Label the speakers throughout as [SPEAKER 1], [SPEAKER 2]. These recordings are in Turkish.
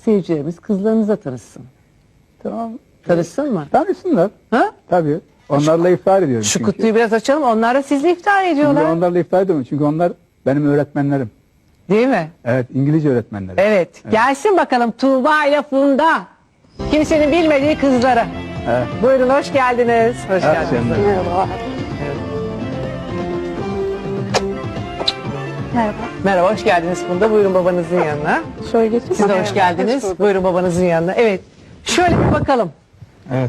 [SPEAKER 1] seyircilerimiz kızlarınıza tanışsın.
[SPEAKER 2] Tamam.
[SPEAKER 1] Tanışsın mı?
[SPEAKER 2] Tanışsınlar.
[SPEAKER 1] Ha?
[SPEAKER 2] Tabii. Onlarla iftar ediyorum.
[SPEAKER 1] Şu
[SPEAKER 2] çünkü.
[SPEAKER 1] kutuyu biraz açalım. Onlar da sizle iftar
[SPEAKER 2] Şimdi
[SPEAKER 1] ediyorlar.
[SPEAKER 2] onlarla iftar ediyorum. Çünkü onlar benim öğretmenlerim.
[SPEAKER 1] Değil mi?
[SPEAKER 2] Evet, İngilizce öğretmenlerim.
[SPEAKER 1] Evet. Gelsin bakalım Tuğba ile Funda. Kimsenin bilmediği kızları.
[SPEAKER 2] Evet.
[SPEAKER 1] Buyurun hoş geldiniz. Hoş
[SPEAKER 2] Evet,
[SPEAKER 1] geldiniz.
[SPEAKER 2] sen de.
[SPEAKER 3] Merhaba. Merhaba.
[SPEAKER 1] Merhaba hoş geldiniz Funda. Buyurun babanızın yanına.
[SPEAKER 3] Şöyle geçin.
[SPEAKER 1] Siz de hoş geldiniz. Buyurun babanızın yanına. Evet. Şöyle bir bakalım.
[SPEAKER 2] Evet.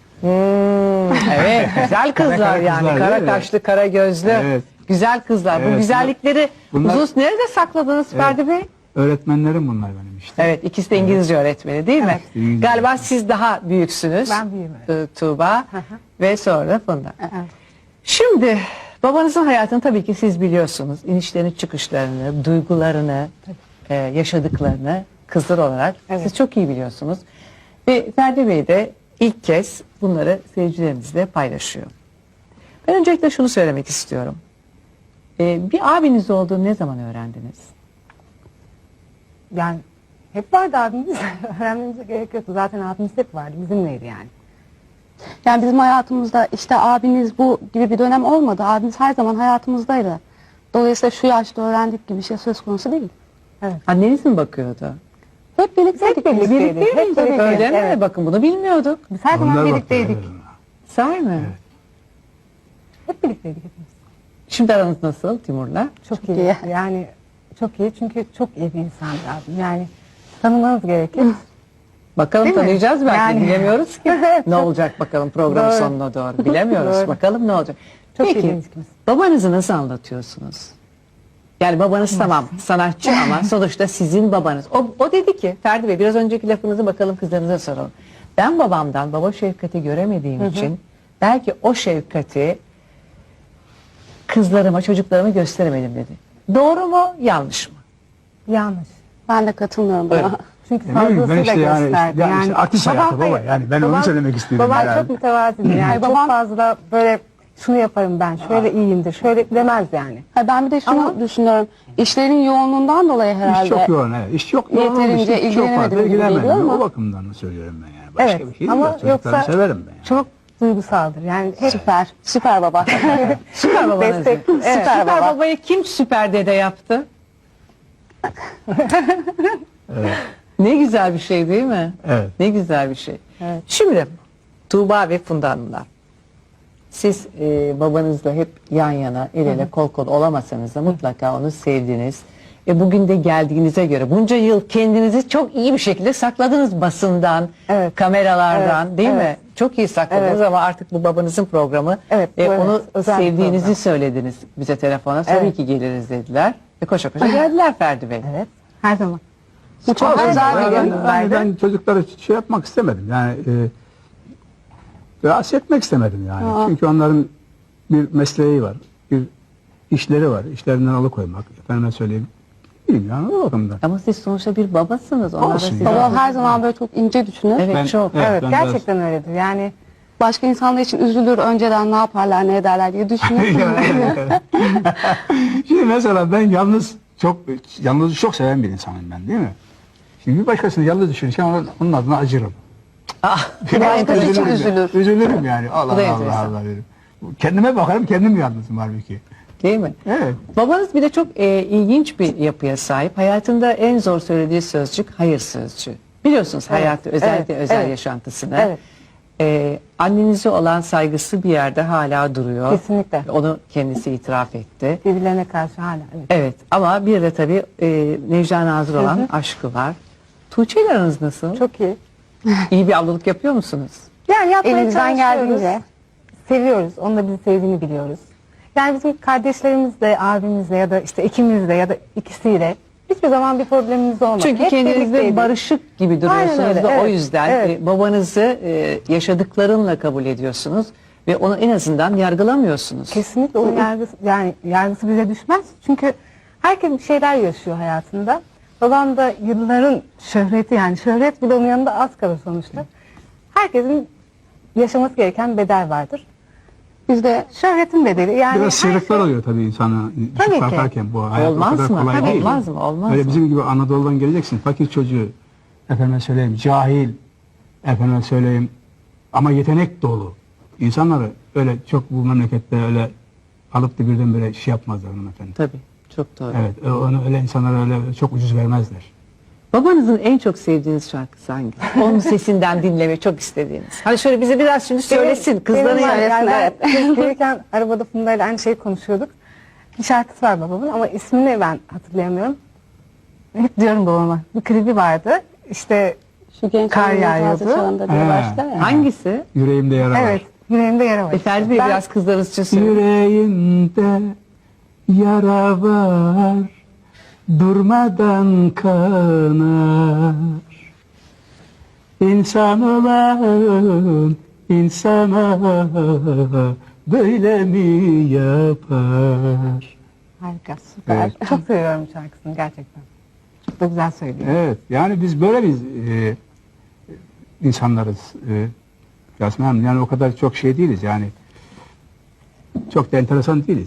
[SPEAKER 1] Evet. Güzel kızlar
[SPEAKER 2] Kara
[SPEAKER 1] yani.
[SPEAKER 2] kızlar,
[SPEAKER 1] Kara
[SPEAKER 2] değil mi?
[SPEAKER 1] kaşlı, kara gözlü.
[SPEAKER 2] Evet.
[SPEAKER 1] Güzel kızlar. Bu
[SPEAKER 2] Evet,
[SPEAKER 1] güzellikleri
[SPEAKER 2] bunlar-
[SPEAKER 1] uzun nerede sakladınız Ferdi Bey?
[SPEAKER 2] Öğretmenlerim bunlar benim işte.
[SPEAKER 1] Evet, ikisi de İngilizce öğretmeni değil mi?
[SPEAKER 2] İngilizce.
[SPEAKER 1] Galiba siz daha büyüksünüz.
[SPEAKER 3] Ben büyüğüm,
[SPEAKER 1] Tuğba ve sonra Funda.
[SPEAKER 3] Evet.
[SPEAKER 1] Şimdi babanızın hayatını tabii ki siz biliyorsunuz. İnişlerini, çıkışlarını, duygularını, yaşadıklarını kızlar olarak siz çok iyi biliyorsunuz. Ve Ferdi Bey de ilk kez bunları seyircilerimizle paylaşıyor. Ben öncelikle şunu söylemek istiyorum. Bir abiniz olduğunu ne zaman öğrendiniz?
[SPEAKER 3] Yani hep vardı abimiz. Öğrenmemize gerek yoktu. Zaten abimiz hep vardı. Bizimleydi yani.
[SPEAKER 4] Yani bizim hayatımızda işte abiniz bu gibi bir dönem olmadı. Abimiz her zaman hayatımızdaydı. Dolayısıyla şu yaşta öğrendik gibi bir şey söz konusu değil.
[SPEAKER 1] Anneniz mi bakıyordu?
[SPEAKER 4] Hep birlikteydik.
[SPEAKER 3] Hep birlikteydik. Hep birlikte.
[SPEAKER 1] Öyle mi?
[SPEAKER 3] Evet.
[SPEAKER 1] Bakın bunu bilmiyorduk.
[SPEAKER 3] Biz her zaman
[SPEAKER 2] Onlar
[SPEAKER 3] birlikteydik.
[SPEAKER 2] bakıyor,
[SPEAKER 1] Sahi mi?
[SPEAKER 3] Hep birlikteydik hepimiz.
[SPEAKER 1] Şimdi aranız nasıl Timur'la?
[SPEAKER 3] Çok
[SPEAKER 4] iyi.
[SPEAKER 3] iyi. Yani çok iyi çünkü çok iyi bir insandı abim. Yani tanımanız gerekir.
[SPEAKER 1] Bakalım
[SPEAKER 3] Değil mi?
[SPEAKER 1] tanıyacağız belki
[SPEAKER 3] Yani-
[SPEAKER 1] bilemiyoruz ki.
[SPEAKER 3] Evet,
[SPEAKER 1] Ne
[SPEAKER 3] çok-
[SPEAKER 1] olacak bakalım programın
[SPEAKER 3] Doğru.
[SPEAKER 1] sonuna doğru bilemiyoruz.
[SPEAKER 3] Doğru.
[SPEAKER 1] Bakalım ne olacak.
[SPEAKER 3] Çok
[SPEAKER 1] Peki
[SPEAKER 3] iyi ilişkimiz.
[SPEAKER 1] babanızı nasıl anlatıyorsunuz? Yani babanız tamam sanatçı ama sonuçta sizin babanız. O dedi ki Ferdi Bey biraz önceki lafınızı bakalım kızlarınıza soralım. Ben babamdan baba şefkati göremediğim için belki o şefkati kızlarıma çocuklarıma gösteremedim dedi. Doğru mu yanlış mı?
[SPEAKER 3] Yanlış.
[SPEAKER 4] Ben de katılmıyorum buna.
[SPEAKER 1] Buyurun.
[SPEAKER 3] Çünkü
[SPEAKER 2] Ne bileyim, ben
[SPEAKER 3] fazlasıyla
[SPEAKER 2] işte yani-
[SPEAKER 3] gösterdi.
[SPEAKER 2] yani işte artist hayatı baba.
[SPEAKER 3] hayır,
[SPEAKER 2] Yani ben onu söylemek istedim
[SPEAKER 3] Babam
[SPEAKER 2] herhalde.
[SPEAKER 3] çok mütevazidir. Yani çok fazla böyle şunu yaparım ben, şöyle iyiyimdir, şöyle demez yani.
[SPEAKER 4] Ha, ben bir de şunu
[SPEAKER 3] Ama-
[SPEAKER 4] düşünüyorum. İşlerin yoğunluğundan dolayı herhalde.
[SPEAKER 2] İş çok yoğun, evet. İş çok yoğun.
[SPEAKER 4] Yeterince
[SPEAKER 2] İş çok fazla
[SPEAKER 4] ilgilenemedim gibi
[SPEAKER 2] ilgilenmedim.
[SPEAKER 4] geliyor ama-
[SPEAKER 2] O bakımdan söylüyorum ben yani. Başka
[SPEAKER 3] Evet
[SPEAKER 2] bir şey
[SPEAKER 3] ama
[SPEAKER 2] değil. Çocuklarımı
[SPEAKER 3] yoksa
[SPEAKER 2] severim ben yani.
[SPEAKER 3] çok duygusaldır. Yani hep
[SPEAKER 4] Süper. Süper baba.
[SPEAKER 1] Süper babanız.
[SPEAKER 3] Destek.
[SPEAKER 1] Evet.
[SPEAKER 3] Evet.
[SPEAKER 1] Süper
[SPEAKER 4] baba.
[SPEAKER 1] babayı kim süper dede yaptı? Ne güzel bir şey değil mi?
[SPEAKER 2] Evet.
[SPEAKER 1] Ne güzel bir şey.
[SPEAKER 3] Evet.
[SPEAKER 1] Şimdi Tuğba ve Funda Hanımlar. Siz babanızla hep yan yana, el ele, kol kol olamasanız da mutlaka onu sevdiniz. Bugün de geldiğinize göre bunca yıl kendinizi çok iyi bir şekilde sakladınız basından,
[SPEAKER 3] Evet.
[SPEAKER 1] kameralardan
[SPEAKER 3] Evet,
[SPEAKER 1] değil mi?
[SPEAKER 3] evet.
[SPEAKER 1] Çok iyi sakladınız
[SPEAKER 3] Evet.
[SPEAKER 1] ama artık bu babanızın programı.
[SPEAKER 3] Evet, bu evet,
[SPEAKER 1] Onu
[SPEAKER 3] özel bir
[SPEAKER 1] sevdiğinizi
[SPEAKER 3] program.
[SPEAKER 1] söylediniz bize telefona. Tabii
[SPEAKER 3] Evet.
[SPEAKER 1] ki geliriz dediler. Koşa koşa geldiler Ferdi Bey.
[SPEAKER 3] evet, her zaman.
[SPEAKER 4] Bu çok
[SPEAKER 3] Her
[SPEAKER 4] özel
[SPEAKER 3] zaman
[SPEAKER 4] bir gün.
[SPEAKER 3] yanımdaydı.
[SPEAKER 2] Ben çocuklara şey yapmak istemedim. Yani rahatsız etmek istemedim yani. Çünkü onların bir mesleği var. Bir işleri var. İşlerinden alıkoymak. Efendime söyleyeyim. Bilmiyorum o bakımdan.
[SPEAKER 1] Ama siz sonuçta bir babasınız. Onlar da
[SPEAKER 2] Olsun
[SPEAKER 1] sizi-
[SPEAKER 2] ya.
[SPEAKER 4] Baba her zaman böyle çok ince düşünür.
[SPEAKER 1] Evet
[SPEAKER 2] Ben-
[SPEAKER 1] çok.
[SPEAKER 2] Evet.
[SPEAKER 3] Evet,
[SPEAKER 2] ben
[SPEAKER 3] gerçekten öyledir. Yani
[SPEAKER 4] Başka insanlar için üzülür. Önceden ne yaparlar, ne ederler diye düşünür.
[SPEAKER 2] Şimdi mesela ben yalnızı çok seven bir insanım ben değil mi? Şimdi bir başkasını yalnız düşünürken onun adına acırım.
[SPEAKER 4] Başkası için üzülür.
[SPEAKER 2] Üzülürüm yani.
[SPEAKER 1] Bu
[SPEAKER 2] Allah
[SPEAKER 1] da
[SPEAKER 2] Allah
[SPEAKER 1] enteresan.
[SPEAKER 2] Allah derim. Kendime bakarım kendim yalnızım halbuki.
[SPEAKER 1] Değil mi?
[SPEAKER 2] Evet.
[SPEAKER 1] Babanız bir de çok ilginç bir yapıya sahip. Hayatında en zor söylediği sözcük hayır sözcüğü. Biliyorsunuz hayatı özellikle
[SPEAKER 3] evet,
[SPEAKER 1] özel
[SPEAKER 3] evet.
[SPEAKER 1] yaşantısını.
[SPEAKER 3] Evet.
[SPEAKER 1] Annenize olan saygısı bir yerde hala duruyor.
[SPEAKER 3] Kesinlikle.
[SPEAKER 1] Onu kendisi itiraf etti.
[SPEAKER 3] birbirlerine karşı hala. Evet.
[SPEAKER 1] Evet ama bir de tabii Necla Nazır olan aşkı var. Tuğçe ile aranız nasıl?
[SPEAKER 3] Çok iyi.
[SPEAKER 1] İyi bir ablalık yapıyor musunuz?
[SPEAKER 3] Yani yapmaya
[SPEAKER 4] Elimizden
[SPEAKER 3] çalışıyoruz.
[SPEAKER 4] geldiğince.
[SPEAKER 3] Seviyoruz. Onun da bizi sevdiğini biliyoruz. Yani bizim kardeşlerimizle, abimizle ya da işte ikimizle ya da ikisiyle hiçbir zaman bir problemimiz olmadı.
[SPEAKER 1] Çünkü
[SPEAKER 3] Hep
[SPEAKER 1] kendinizde
[SPEAKER 3] birlikteydik.
[SPEAKER 1] barışık gibi
[SPEAKER 3] Aynen
[SPEAKER 1] duruyorsunuz
[SPEAKER 3] öyle,
[SPEAKER 1] da o
[SPEAKER 3] evet,
[SPEAKER 1] yüzden
[SPEAKER 3] evet.
[SPEAKER 1] babanızı yaşadıklarınla kabul ediyorsunuz ve onu en azından yargılamıyorsunuz.
[SPEAKER 3] Kesinlikle onun yargısı bize düşmez. Çünkü herkes bir şeyler yaşıyor hayatında. Babam da yılların şöhreti, yani şöhret bile onun yanında az kalır sonuçta. Herkesin yaşaması gereken bedel vardır.
[SPEAKER 4] Biz de
[SPEAKER 3] Şöhretin bedeli yani
[SPEAKER 2] Biraz
[SPEAKER 3] her
[SPEAKER 2] sıyrıklar
[SPEAKER 3] şey-
[SPEAKER 2] oluyor tabii insana.
[SPEAKER 3] Tabii ki.
[SPEAKER 2] Kalkarken bu hayat o
[SPEAKER 1] Olmaz
[SPEAKER 2] kadar
[SPEAKER 1] mı?
[SPEAKER 2] kolay değil.
[SPEAKER 1] Olmaz mı? Olmaz
[SPEAKER 2] Öyle
[SPEAKER 1] mı?
[SPEAKER 2] bizim gibi Anadolu'dan geleceksin. Fakir çocuğu efendime söyleyeyim cahil, efendime söyleyeyim ama yetenek dolu insanları öyle çok bu memlekette öyle alıp da birdenbire şey yapmazlar hanımefendi.
[SPEAKER 1] Tabii. Çok doğru.
[SPEAKER 2] Evet, onu öyle insanlara öyle çok ucuz vermezler.
[SPEAKER 1] Babanızın en çok sevdiğiniz şarkısı hangisi? Onun sesinden dinlemeyi çok istediğiniz. Hani şöyle bize biraz şimdi söylesin. Kızların
[SPEAKER 3] Benim var,
[SPEAKER 1] arasında.
[SPEAKER 3] yani ben gelirken arabada Funda'yla aynı şeyi konuşuyorduk. Bir şarkısı var babamın ama ismini ben hatırlayamıyorum. Hep diyorum babama. Bir klibi vardı. İşte
[SPEAKER 4] Şu genç
[SPEAKER 3] Kar
[SPEAKER 4] annemin
[SPEAKER 3] yağıyordu.
[SPEAKER 4] taze çağında diye
[SPEAKER 2] He.
[SPEAKER 4] başlar ya.
[SPEAKER 1] Hangisi?
[SPEAKER 2] Yüreğimde yara var.
[SPEAKER 3] evet, yüreğimde yara var.
[SPEAKER 1] Ferdi Bey
[SPEAKER 3] Ben-
[SPEAKER 1] biraz kızlarınız için söyleyin.
[SPEAKER 2] Yüreğimde yara var, durmadan kanar. İnsan olan insana böyle mi yapar?
[SPEAKER 3] Harika, süper.
[SPEAKER 2] Evet.
[SPEAKER 3] Çok seviyorum şarkısını gerçekten. Çok da güzel söylüyor.
[SPEAKER 2] Evet, yani biz böyle bir insanlarız. Yasemin Hanım, yani o kadar çok şey değiliz yani. Çok da enteresan değiliz.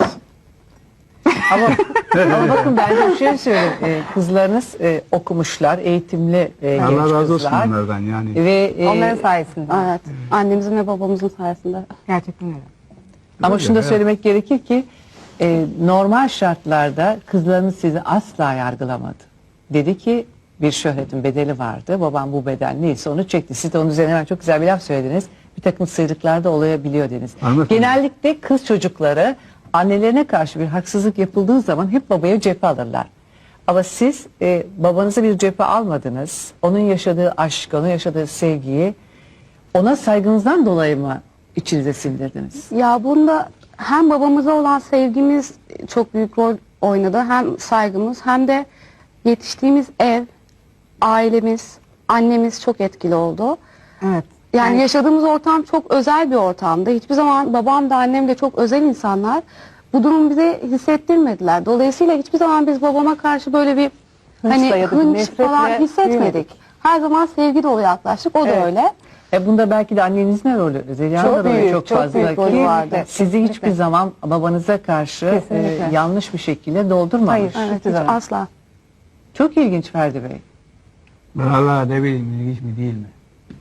[SPEAKER 1] Ama bakın ben de bir şey söyleyeyim. Kızlarınız okumuşlar, eğitimli genç
[SPEAKER 2] Allah razı olsun
[SPEAKER 1] kızlar.
[SPEAKER 2] onlardan yani.
[SPEAKER 1] Ve,
[SPEAKER 3] Onların sayesinde.
[SPEAKER 4] Evet. Annemizin ve babamızın sayesinde.
[SPEAKER 3] Gerçekten öyle.
[SPEAKER 1] ama
[SPEAKER 2] Öyle,
[SPEAKER 1] şunu da
[SPEAKER 2] evet.
[SPEAKER 1] söylemek gerekir ki normal şartlarda kızlarınız sizi asla yargılamadı. Dedi ki bir şöhretin bedeli vardı. Babam bu bedel neyse onu çekti. Siz de onun üzerine hemen çok güzel bir laf söylediniz. Bir takım sıyrıklar da olabiliyor dediniz.
[SPEAKER 2] Hanımefendi.
[SPEAKER 1] Genellikle kız çocukları annelerine karşı bir haksızlık yapıldığı zaman hep babaya cephe alırlar. Ama siz babanıza bir cephe almadınız. Onun yaşadığı aşkı, onun yaşadığı sevgiyi ona saygınızdan dolayı mı içinize sindirdiniz?
[SPEAKER 4] Ya bunda hem babamıza olan sevgimiz çok büyük rol oynadı. Hem saygımız hem de yetiştiğimiz ev, ailemiz, annemiz çok etkili oldu.
[SPEAKER 3] Evet.
[SPEAKER 4] Yani yaşadığımız ortam çok özel bir ortamdı. Hiçbir zaman babam da annem de çok özel insanlar. Bu durumu bize hissettirmediler. Dolayısıyla hiçbir zaman biz babama karşı böyle bir hani
[SPEAKER 3] Hınçla
[SPEAKER 4] hınç
[SPEAKER 3] nefretle
[SPEAKER 4] falan hissetmedik.
[SPEAKER 3] büyümedik.
[SPEAKER 4] Her zaman sevgi dolu yaklaştık. O da
[SPEAKER 3] Evet.
[SPEAKER 4] öyle.
[SPEAKER 1] Bunda belki de annenizin de rolü, Zeliha'nın
[SPEAKER 3] Çok
[SPEAKER 1] da rolü
[SPEAKER 3] büyük,
[SPEAKER 1] çok
[SPEAKER 3] çok
[SPEAKER 1] fazla.
[SPEAKER 3] büyük rolü
[SPEAKER 1] Ki
[SPEAKER 3] vardı.
[SPEAKER 1] Sizi
[SPEAKER 3] Kesinlikle.
[SPEAKER 1] hiçbir zaman babanıza karşı
[SPEAKER 3] Kesinlikle.
[SPEAKER 1] yanlış bir şekilde doldurmamış.
[SPEAKER 3] Hayır.
[SPEAKER 4] Evet,
[SPEAKER 3] Hiçbir
[SPEAKER 4] hiç
[SPEAKER 3] zaman.
[SPEAKER 4] asla.
[SPEAKER 1] Çok ilginç Ferdi Bey.
[SPEAKER 2] Vallahi ne bileyim ilginç mi değil mi?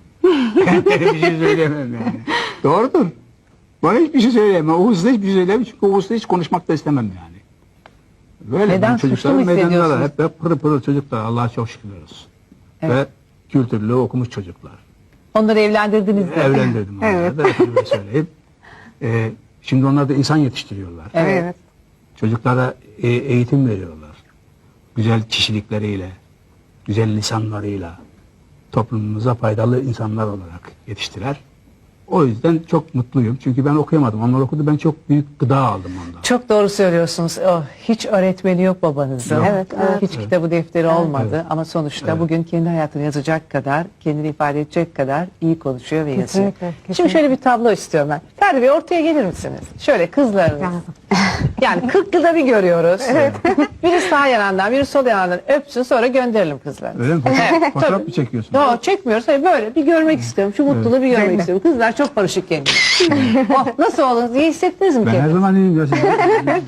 [SPEAKER 2] Bir şey söyleyemem yani. Doğrudur. Bana hiçbir şey söyleyemem. O hızla hiçbir şey söyleyemem çünkü o hızla hiç konuşmak da istemem yani. Böyle
[SPEAKER 1] Neden?
[SPEAKER 2] ben
[SPEAKER 1] Suçlu
[SPEAKER 2] çocuklar
[SPEAKER 1] mu
[SPEAKER 2] meydandalar.
[SPEAKER 1] hissediyorsunuz?
[SPEAKER 2] Hep pırıl pırıl çocuklar. Allah'a çok şükürler olsun.
[SPEAKER 1] Evet.
[SPEAKER 2] Ve kültürlü okumuş çocuklar.
[SPEAKER 1] Onları evlendirdiniz de.
[SPEAKER 2] Evlendirdim onları da efendime söyleyeyim. Şimdi onlar da insan yetiştiriyorlar.
[SPEAKER 1] Evet.
[SPEAKER 3] Evet.
[SPEAKER 2] Çocuklara eğitim veriyorlar. Güzel kişilikleriyle, güzel lisanlarıyla toplumumuza faydalı insanlar olarak yetiştiler. O yüzden çok mutluyum. Çünkü ben okuyamadım. Onlar okudu. Ben çok büyük gıda aldım ondan.
[SPEAKER 1] Çok doğru söylüyorsunuz. Oh, hiç öğretmeni yok babanızın.
[SPEAKER 2] Yok.
[SPEAKER 4] Evet, evet.
[SPEAKER 1] Hiç kitabı defteri olmadı.
[SPEAKER 2] Evet.
[SPEAKER 1] Ama sonuçta
[SPEAKER 2] Evet.
[SPEAKER 1] bugün kendi hayatını yazacak kadar, kendini ifade edecek kadar iyi konuşuyor ve yazıyor.
[SPEAKER 3] Kesinlikle,
[SPEAKER 1] Şimdi
[SPEAKER 3] kesinlikle.
[SPEAKER 1] şöyle bir tablo istiyorum ben. Ferdi Bey ortaya gelir misiniz? Şöyle kızlarınız.
[SPEAKER 3] Lazım.
[SPEAKER 1] Yani 40 yılda bir görüyoruz. Biri sağ yanından, biri sol yanından öpsün sonra gönderelim kızlarını.
[SPEAKER 2] Öyle mi?
[SPEAKER 1] Evet,
[SPEAKER 2] Fotoğraf
[SPEAKER 1] tabii.
[SPEAKER 2] mı çekiyorsun?
[SPEAKER 1] Yo, çekmiyoruz. Hayır, böyle bir görmek istiyorum. Şu mutluluğu bir görmek
[SPEAKER 3] Cennet.
[SPEAKER 1] istiyorum. Kızlar çok barışık kendini. Oh, nasıl oldunuz? İyi hissettiniz mi
[SPEAKER 2] Ben her
[SPEAKER 1] kendinizi?
[SPEAKER 2] zaman iyiyim. Ya siz-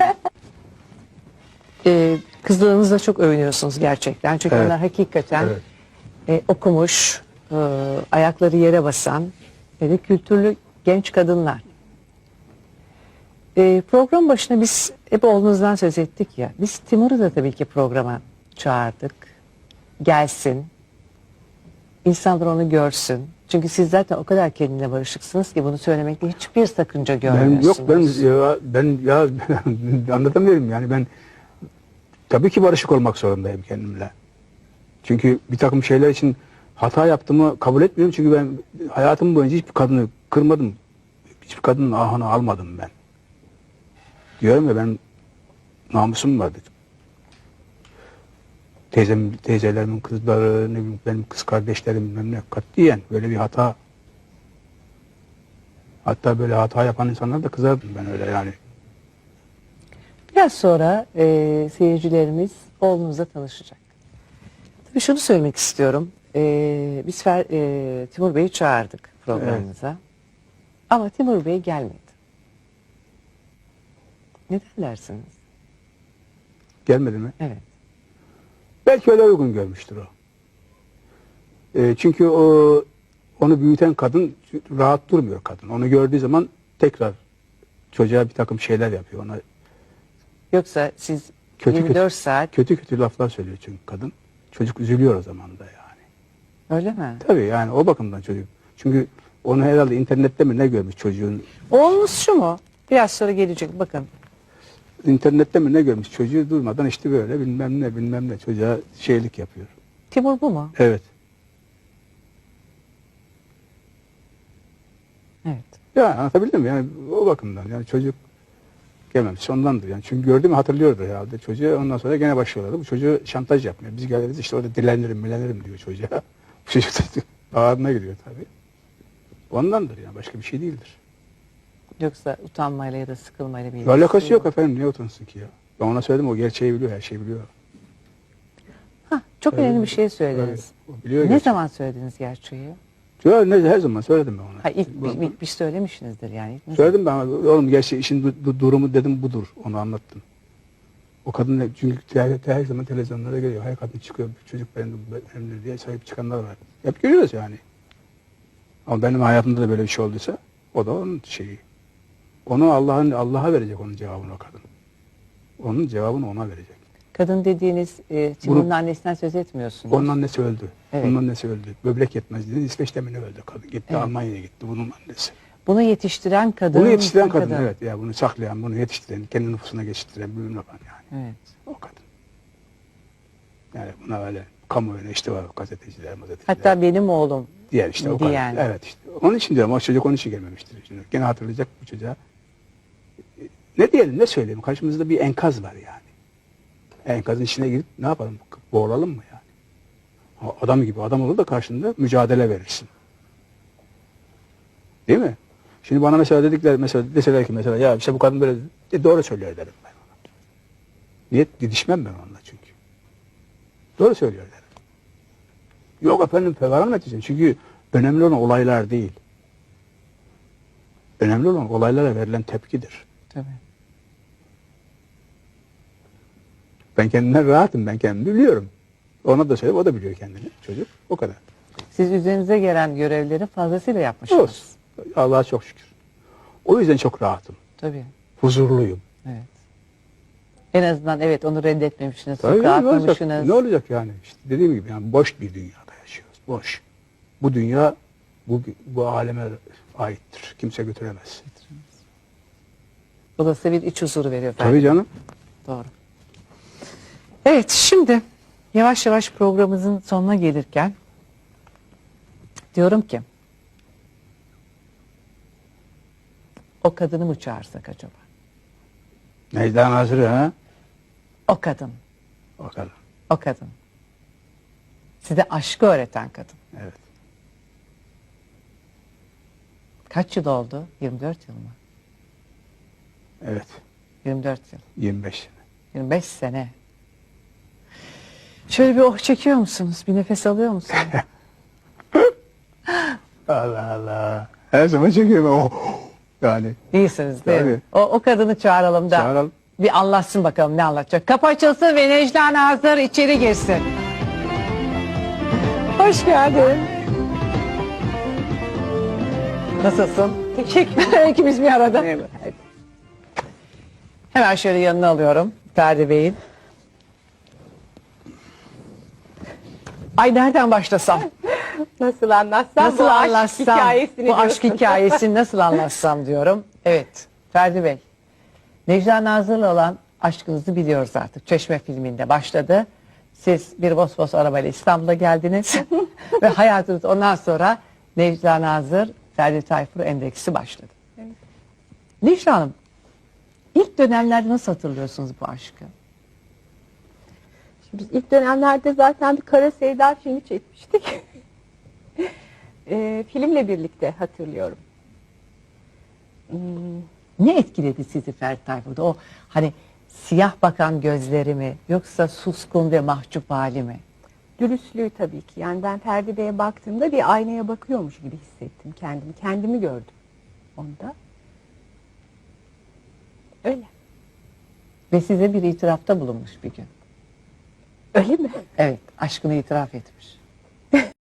[SPEAKER 1] Kızlarınızla çok övünüyorsunuz gerçekten. Çünkü
[SPEAKER 2] Evet.
[SPEAKER 1] onlar hakikaten
[SPEAKER 2] Evet.
[SPEAKER 1] okumuş, ayakları yere basan ve kültürlü genç kadınlar. Program başına biz hep oğlunuzdan söz ettik ya. Biz Timur'u da tabii ki programa çağırdık. Gelsin. İnsanlar onu görsün. Çünkü siz zaten o kadar kendine barışıksınız ki bunu söylemekte hiçbir sakınca
[SPEAKER 2] Ben
[SPEAKER 1] görmüyorsunuz.
[SPEAKER 2] yok ben anlatamıyorum yani ben tabii ki barışık olmak zorundayım kendimle. Çünkü bir takım şeyler için hata yaptığımı kabul etmiyorum çünkü ben hayatım boyunca hiçbir kadını kırmadım. Hiçbir kadının ahını almadım ben. Diyorum ya ben namusum var dedim. Teyzelerimin kızları, ne bileyim, benim kız kardeşlerim bilmem ne katiyen böyle bir hata. Hatta böyle hata yapan insanlar da kızardım ben öyle yani.
[SPEAKER 1] Biraz sonra seyircilerimiz oğlunuzla tanışacak. Tabii şunu söylemek istiyorum. Biz Timur Bey'i çağırdık programımıza. Ama Timur Bey gelmedi. Neden dersiniz?
[SPEAKER 2] Gelmedi mi?
[SPEAKER 1] Evet.
[SPEAKER 2] Belki öyle uygun görmüştür o. Çünkü onu büyüten kadın rahat durmuyor kadın. Onu gördüğü zaman tekrar çocuğa bir takım şeyler yapıyor. Ona
[SPEAKER 1] Yoksa siz
[SPEAKER 2] Kötü
[SPEAKER 1] 24 saat
[SPEAKER 2] kötü laflar söylüyor çünkü kadın. Çocuk üzülüyor o zaman da yani.
[SPEAKER 1] öyle mi?
[SPEAKER 2] Tabii yani o bakımdan çocuk. Çünkü onu herhalde internette mi ne görmüş çocuğun.
[SPEAKER 1] Oğlunuz şu mu? Biraz sonra gelecek bakın.
[SPEAKER 2] İnternette mi ne görmüş çocuğu durmadan işte böyle bilmem ne çocuğa şeylik yapıyor.
[SPEAKER 1] Timur bu mu?
[SPEAKER 2] Evet.
[SPEAKER 1] Evet.
[SPEAKER 2] Ya anlatabildim mi? Yani o bakımdan yani çocuk gelmemiş ondandır yani. Çünkü gördüğümü hatırlıyordu herhalde çocuğu. Ondan sonra gene başlıyorlardı. Bu çocuğu şantaj yapmıyor. Biz geliriz işte orada dilenirim diyor çocuğa. Bu çocuk da ağırına gidiyor tabii. Ondandır yani başka bir şey değildir.
[SPEAKER 1] Yoksa utanmayla ya da sıkılmayla bir
[SPEAKER 2] Bir
[SPEAKER 1] ilgisi
[SPEAKER 2] alakası yok efendim niye utansın ki ya? Ben ona söyledim o gerçeği biliyor her şeyi biliyor.
[SPEAKER 1] Hah, çok
[SPEAKER 2] Tabii.
[SPEAKER 1] önemli bir şey söylediniz.
[SPEAKER 2] Tabii, o biliyor
[SPEAKER 1] Ne
[SPEAKER 2] gerçeği.
[SPEAKER 1] zaman söylediniz gerçeği?
[SPEAKER 2] Her zaman söyledim ben ona.
[SPEAKER 1] Ha, ilk bir söylemişsinizdir yani. Ne
[SPEAKER 2] Söyledim ben oğlum gerçeği işin durumu dedim budur onu anlattım. O kadın çünkü her zaman televizyonlara geliyor. Her kadın çıkıyor çocuk benimdir diye sahip çıkanlar var. Hep görüyoruz yani. Ama benim hayatımda da böyle bir şey olduysa o da onun şeyi. Onu Allah'a verecek onun cevabını o kadın. Onun cevabını ona verecek.
[SPEAKER 1] Kadın dediğiniz Timur'un annesinden söz etmiyorsunuz.
[SPEAKER 2] Onun annesi öldü.
[SPEAKER 1] Evet.
[SPEAKER 2] Onun annesi öldü. Böbrek yetmezliğinden İsveç'te mi ne öldü kadın. Gitti
[SPEAKER 1] Evet.
[SPEAKER 2] Almanya'ya gitti bunun annesi.
[SPEAKER 1] Bunu yetiştiren kadın.
[SPEAKER 2] Bunu yetiştiren kadın evet. Ya bunu saklayan, bunu yetiştiren, kendi nüfusuna geçirtiren bilmem yapan yani.
[SPEAKER 1] Evet.
[SPEAKER 2] O kadın. Yani buna öyle kamuoyuna işte var gazeteciler.
[SPEAKER 1] Hatta benim oğlum
[SPEAKER 2] diğer işte o
[SPEAKER 1] diyen.
[SPEAKER 2] kadar. Evet işte. Onun için diyorum o çocuk onun için gelmemiştir. Şimdi gene hatırlayacak bu çocuğa. Ne diyelim ne söyleyeyim karşımızda bir enkaz var yani. Enkazın içine girip ne yapalım boğulalım mı yani? Adam gibi adam olur da karşında mücadele verirsin. Değil mi? Şimdi bana mesela deseler ki mesela ya işte bu kadın böyle doğru söylüyor derim ben ona. Niye didişmem ben onunla çünkü. Doğru söylüyor derim. Yok efendim falan edeceğim. Çünkü önemli olan olaylar değil. Önemli olan olaylara verilen tepkidir.
[SPEAKER 1] Tabii.
[SPEAKER 2] Ben kendimden rahatım. Ben kendimi biliyorum. Ona da söyleyeyim. O da biliyor kendini. Çocuk. O kadar.
[SPEAKER 1] Siz üzerinize gelen görevleri fazlasıyla yapmışsınız.
[SPEAKER 2] Olsun. Allah'a çok şükür. O yüzden çok rahatım.
[SPEAKER 1] Tabii.
[SPEAKER 2] Huzurluyum.
[SPEAKER 1] Evet. En azından evet onu reddetmemişsiniz.
[SPEAKER 2] Tabii,
[SPEAKER 1] Sokağa
[SPEAKER 2] ne olacak?
[SPEAKER 1] atmamışsınız.
[SPEAKER 2] Ne olacak yani? İşte dediğim gibi yani boş bir dünyada yaşıyoruz. Boş. Bu dünya bu aleme aittir. Kimse götüremez.
[SPEAKER 1] Bu da size bir iç huzuru veriyor.
[SPEAKER 2] Tabii canım.
[SPEAKER 1] Doğru. Evet şimdi yavaş yavaş programımızın sonuna gelirken diyorum ki o kadını mı çağırsak acaba?
[SPEAKER 2] Necdan Nazır'ı ha?
[SPEAKER 1] O kadın.
[SPEAKER 2] O kadar.
[SPEAKER 1] O kadın. Size aşkı öğreten kadın.
[SPEAKER 2] Evet.
[SPEAKER 1] Kaç yıl oldu? 24 yıl mı?
[SPEAKER 2] Evet.
[SPEAKER 1] 24 yıl.
[SPEAKER 2] 25 sene.
[SPEAKER 1] 25 sene. Şöyle bir oh çekiyor musunuz? Bir nefes alıyor musunuz?
[SPEAKER 2] Allah Allah. Her zaman çekiyorum. Oh. Yani.
[SPEAKER 1] İyisiniz değil mi?
[SPEAKER 2] Tabii.
[SPEAKER 1] O kadını çağıralım da.
[SPEAKER 2] Çağıralım.
[SPEAKER 1] Bir anlatsın bakalım ne anlatacak. Kapı açılsın ve Necla Nazır içeri girsin. Hoş geldin. Nasılsın? Teşekkür İkimiz bir arada. Hemen şöyle yanına alıyorum Ferdi Bey'in. Ay nereden başlasam?
[SPEAKER 3] Nasıl anlatsam
[SPEAKER 1] Nasıl
[SPEAKER 3] bu aşk
[SPEAKER 1] anlatsam?
[SPEAKER 3] hikayesini
[SPEAKER 1] Bu aşk
[SPEAKER 3] diyorsun.
[SPEAKER 1] hikayesini nasıl anlatsam diyorum. Evet Ferdi Bey. Necla Nazır'la olan aşkınızı biliyoruz artık. Çeşme filminde başladı. Siz bir Vosvos arabayla İstanbul'a geldiniz. Ve hayatınız ondan sonra Necla Nazır, Ferdi Tayfur endeksi başladı.
[SPEAKER 3] Evet.
[SPEAKER 1] Necla Hanım, ilk dönemlerde nasıl hatırlıyorsunuz bu aşkı?
[SPEAKER 3] Biz ilk dönemlerde zaten bir Kara Sevda filmi çekmiştik. Filmle birlikte hatırlıyorum.
[SPEAKER 1] Ne etkiledi sizi Ferdi Tayfur'da? O hani siyah bakan gözleri mi yoksa suskun ve mahcup hali mi?
[SPEAKER 3] Dürüstlüğü tabii ki. Yani ben Ferdi Bey'e baktığımda bir aynaya bakıyormuş gibi hissettim kendimi. Kendimi gördüm onda. Öyle.
[SPEAKER 1] Ve size bir itirafta bulunmuş bir gün.
[SPEAKER 3] Öyle mi?
[SPEAKER 1] Evet, aşkını itiraf etmiş.